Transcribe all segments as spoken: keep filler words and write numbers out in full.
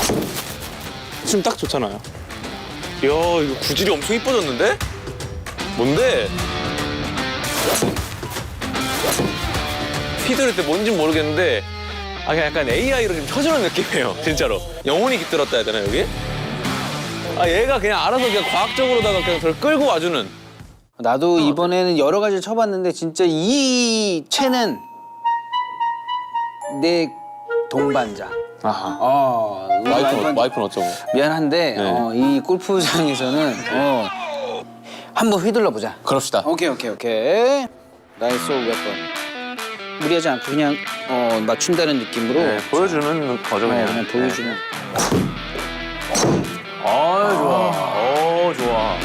지금 딱 좋잖아요. 이야, 이거 구질이 엄청 이뻐졌는데? 뭔데? 피드릴 때 뭔진 모르겠는데 아, 그냥 약간 에이아이로 좀 쳐주는 느낌이에요, 진짜로. 영혼이 깃들었다 해야 되나, 여기? 아, 얘가 그냥 알아서 그냥 과학적으로다가 그냥 저를 끌고 와주는. 나도 이번에는 여러 가지를 쳐봤는데 진짜 이 채는 내 동반자. 아하. 어, 우리 와이프는, 와이프는 와이프는 어쩌고? 미안한데 네. 어, 이 골프장에서는 어, 한번 휘둘러 보자. 그럽시다. 오케이 오케이 오케이. 나의 소울 웨폰. 무리하지 않고 그냥 어, 맞춘다는 느낌으로 네, 보여주는 거죠, 어, 그냥. 그냥 보여주는. 아, 좋아. 어, 좋아.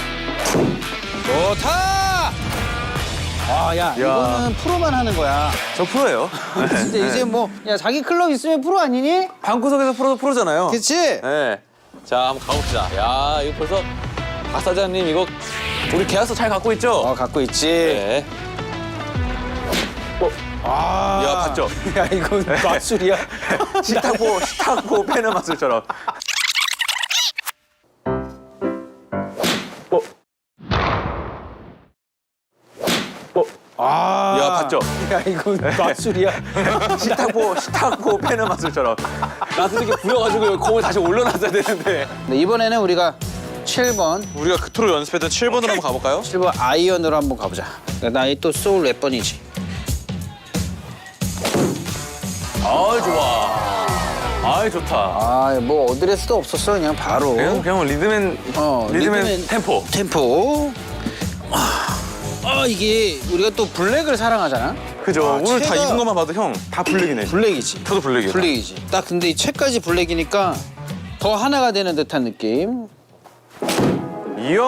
좋다. 아, 야, 이거는 프로만 하는 거야. 저 프로예요. 진짜 이제 뭐, 야, 자기 클럽 있으면 프로 아니니? 방구석에서 프로도 프로잖아요. 그치? 네. 자, 한번 가봅시다. 야, 이거 벌써 박 사장님 이거 우리 계약서 잘 갖고 있죠? 어, 갖고 있지. 네. 아. 야, 봤죠? 야, 이건 마술이야. 식탁보, 식탁보 빼는 마술처럼. 어? 어? 아. 야, 봤죠? 야, 이건 마술이야. 식탁보, 식탁보 빼는 마술처럼. 나도 이렇게 부여가지고 여기 공을 다시 올려놨어야 되는데. 네, 이번에는 우리가 칠 번, 우리가 그토록 연습했던 칠 번으로 한번 가볼까요? 칠 번 아이언으로 한번 가보자. 나의 또 소울 웨번이지. 아, 좋아. 아, 좋다. 아, 뭐 어드레스도 없었어. 그냥 바로. 그냥, 그냥 리드맨, 어, 리드맨, 리드맨 템포. 템포. 아, 이게 우리가 또 블랙을 사랑하잖아. 그죠? 아, 오늘 다 채가- 입은 것만 봐도 형 다 블랙이네. 블랙이지. 저도 블랙이에요. 블랙이지. 딱 근데 이 채까지 블랙이니까 더 하나가 되는 듯한 느낌. 이야.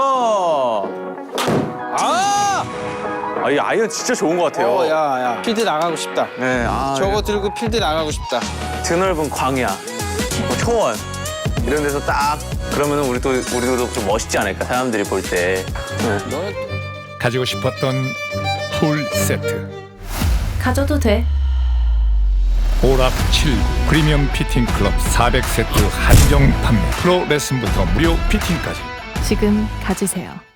아! 아, 이 아이언 진짜 좋은 것 같아요. 어, 야, 야. 필드 나가고 싶다. 네, 아, 저거 들고 필드 나가고 싶다. 드넓은 광야, 뭐 초원 이런 데서 딱 그러면 우리 또 우리도 좀 멋있지 않을까 사람들이 볼 때. 네. 너는 가지고 싶었던 풀 세트 가져도 돼. 오락 칠구 프리미엄 피팅 클럽 사백 세트 한정 판매 프로 레슨부터 무료 피팅까지 지금 가지세요.